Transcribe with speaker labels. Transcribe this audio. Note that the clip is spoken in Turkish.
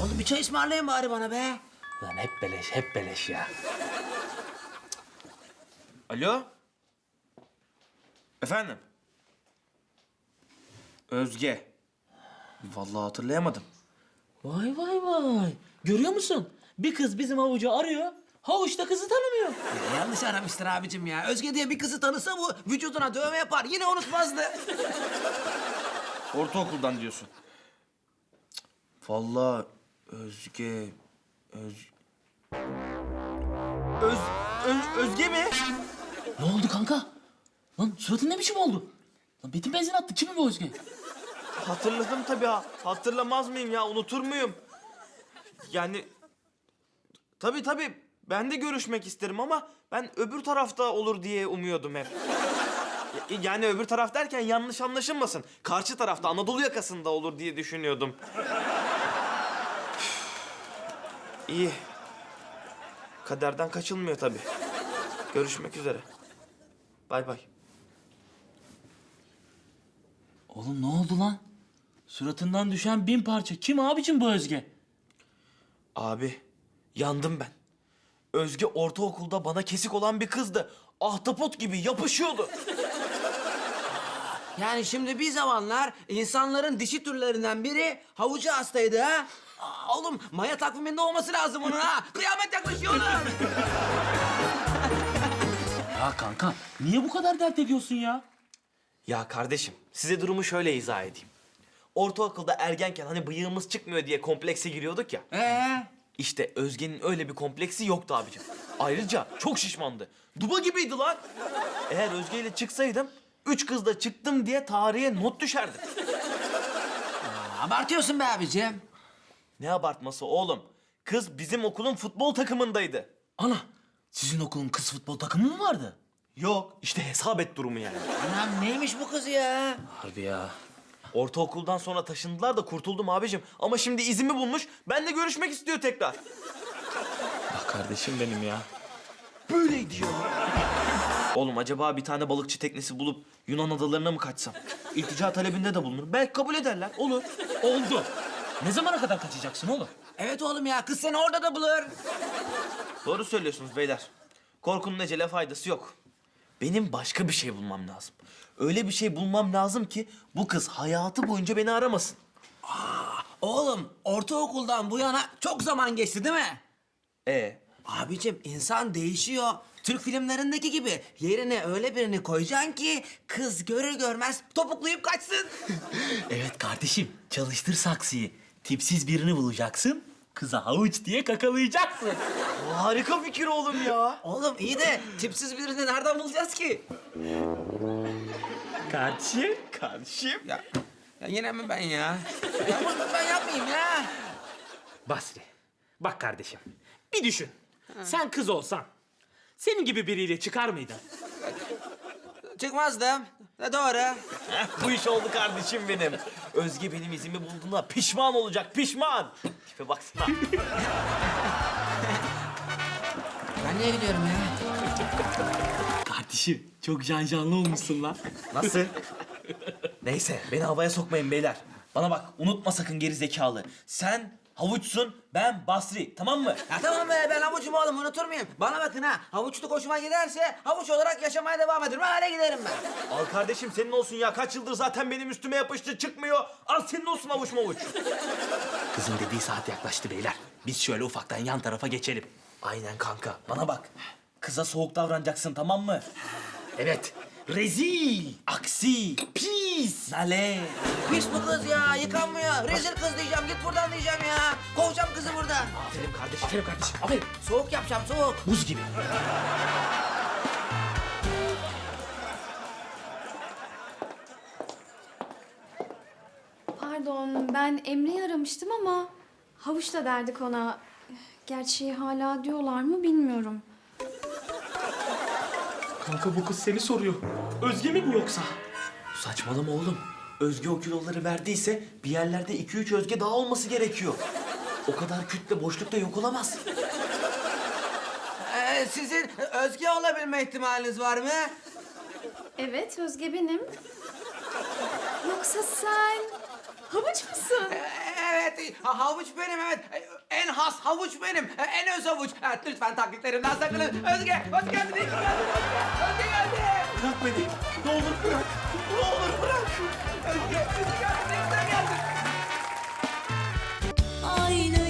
Speaker 1: Oğlum bir çay ısmarlayın bari bana be.
Speaker 2: Lan hep beleş, hep beleş ya.
Speaker 3: Alo? Efendim? Özge. Vallahi hatırlayamadım.
Speaker 2: Vay vay vay. Görüyor musun? Bir kız bizim havucu arıyor. Havuç da kızı tanımıyor.
Speaker 1: Ya yanlış aramıştır abicim ya. Özge diye bir kızı tanısa bu vücuduna dövme yapar. Yine unutmazdı.
Speaker 3: Ortaokuldan diyorsun. Cık, vallahi Özge... Özge mi?
Speaker 2: Ne oldu kanka? Lan suratın ne biçim oldu? Lan Betim benzin attı. Kim bu Özge?
Speaker 3: Hatırladım tabii ha. Hatırlamaz mıyım ya? Unutur muyum? Yani... Tabii. Ben de görüşmek isterim ama ben öbür tarafta olur diye umuyordum hep. Yani öbür taraf derken yanlış anlaşılmasın. Karşı tarafta Anadolu yakasında olur diye düşünüyordum. İyi. Kaderden kaçılmıyor tabii. Görüşmek üzere. Bay bay.
Speaker 2: Oğlum ne oldu lan? Suratından düşen 1000 parça. Kim abicim bu Özge?
Speaker 3: Abi, yandım ben. Özge ortaokulda bana kesik olan bir kızdı. Ahtapot gibi yapışıyordu.
Speaker 1: Yani şimdi bir zamanlar insanların dişi türlerinden biri havucu hastaydı ha. Oğlum Maya takviminde olması lazım onun ha. Kıyamet yaklaşıyor lan.
Speaker 2: Ya kanka niye bu kadar dert ediyorsun ya?
Speaker 3: Ya kardeşim, size durumu şöyle izah edeyim. Ortaokulda ergenken hani bıyığımız çıkmıyor diye komplekse giriyorduk ya. İşte Özge'nin öyle bir kompleksi yoktu abicim. Ayrıca çok şişmandı. Duba gibiydi lan. Eğer Özge ile çıksaydım, 3 kızla çıktım diye tarihe not düşerdi.
Speaker 1: Abartıyorsun be abicim.
Speaker 3: Ne abartması oğlum? Kız bizim okulun futbol takımındaydı.
Speaker 2: Ana sizin okulun kız futbol takımı mı vardı?
Speaker 3: Yok, işte hesap et durumu yani.
Speaker 1: Anam neymiş bu kız ya?
Speaker 2: Harbi ya.
Speaker 3: Ortaokuldan sonra taşındılar da kurtuldum abicim. Ama şimdi izimi bulmuş, benimle görüşmek istiyor tekrar.
Speaker 2: Ah kardeşim benim ya.
Speaker 3: Böyleydi ya. Oğlum acaba bir tane balıkçı teknesi bulup Yunan adalarına mı kaçsam? İltica talebinde de bulunur. Belki kabul ederler. Olur.
Speaker 2: Oldu. Ne zamana kadar kaçacaksın oğlum?
Speaker 1: Evet oğlum ya kız seni orada da bulur.
Speaker 3: Doğru söylüyorsunuz beyler. Korkunun ecele faydası yok. Benim başka bir şey bulmam lazım. Öyle bir şey bulmam lazım ki bu kız hayatı boyunca beni aramasın.
Speaker 1: Oğlum ortaokuldan bu yana çok zaman geçti değil mi?
Speaker 3: E
Speaker 1: Abicim insan değişiyor. Türk filmlerindeki gibi yerine öyle birini koyacaksın ki kız görür görmez topuklayıp kaçsın.
Speaker 2: Evet kardeşim çalıştır saksıyı. Tipsiz birini bulacaksın. Kıza havuç diye kakalayacaksın.
Speaker 3: harika fikir oğlum ya.
Speaker 1: Oğlum iyi de tipsiz birini nereden bulacağız ki?
Speaker 2: Kardeşim.
Speaker 1: Ya yine mi ben ya? Ya bunu ben yapmayayım ya.
Speaker 4: Basri, bak kardeşim. Bir düşün. Sen kız olsan, senin gibi biriyle çıkar mıydın?
Speaker 1: Çıkmazdım. Doğru.
Speaker 3: Bu iş oldu kardeşim benim. Özge benim izimi bulduğuna pişman olacak, pişman. Tipe baksana.
Speaker 1: Ben niye gidiyorum ya?
Speaker 2: Kardeşim çok canlı olmuşsun lan.
Speaker 3: Nasıl? Neyse, beni havaya sokmayın beyler. Bana bak, unutma sakın geri zekalı. Sen havuçsun, ben Basri, tamam mı?
Speaker 1: Ya tamam be ben havucum oğlum unutur muyum? Bana bakın ha havuçluk hoşuma giderse havuç olarak yaşamaya devam ederim. Öyle giderim ben.
Speaker 3: Al kardeşim senin olsun ya. Kaç yıldır zaten benim üstüme yapıştı, çıkmıyor. Al senin olsun havuç mavuç.
Speaker 2: Kızın dediği saat yaklaştı beyler. Biz şöyle ufaktan yan tarafa geçelim.
Speaker 3: Aynen kanka. Bana bak. Kıza soğuk davranacaksın, tamam mı?
Speaker 2: Evet. Rezil, aksi, pis, nale.
Speaker 1: Pis bu kız ya yıkanmıyor. Rezil kız diyeceğim git buradan diyeceğim ya. Kovacağım kızı buradan.
Speaker 3: Aferin kardeşim.
Speaker 2: Aferin kardeşim, aferin.
Speaker 1: Soğuk yapacağım soğuk.
Speaker 2: Buz gibi.
Speaker 5: Pardon, ben Emre'yi aramıştım ama havuç da derdik ona. Gerçi hala diyorlar mı bilmiyorum.
Speaker 4: Kanka bu kız seni soruyor. Özge mi bu yoksa?
Speaker 3: Saçmalama oğlum. Özge o kiloları verdiyse bir yerlerde 2-3 Özge daha olması gerekiyor. O kadar kütle boşlukta yok olamaz.
Speaker 1: Sizin Özge olabilme ihtimaliniz var mı?
Speaker 5: Evet, Özge benim. Yoksa sen havuç musun?
Speaker 1: evet. Havuç benim, evet. En has havuç benim. En öz havuç. Evet, lütfen taklitlerimden sakının. Özge, hoş geldin. İyi ki geldin Özge. Özge geldi.
Speaker 3: Bırak beni. Ne olur bırak. Ne olur bırak.
Speaker 1: Özge, Özge geldin. Özge geldin.
Speaker 6: Aynı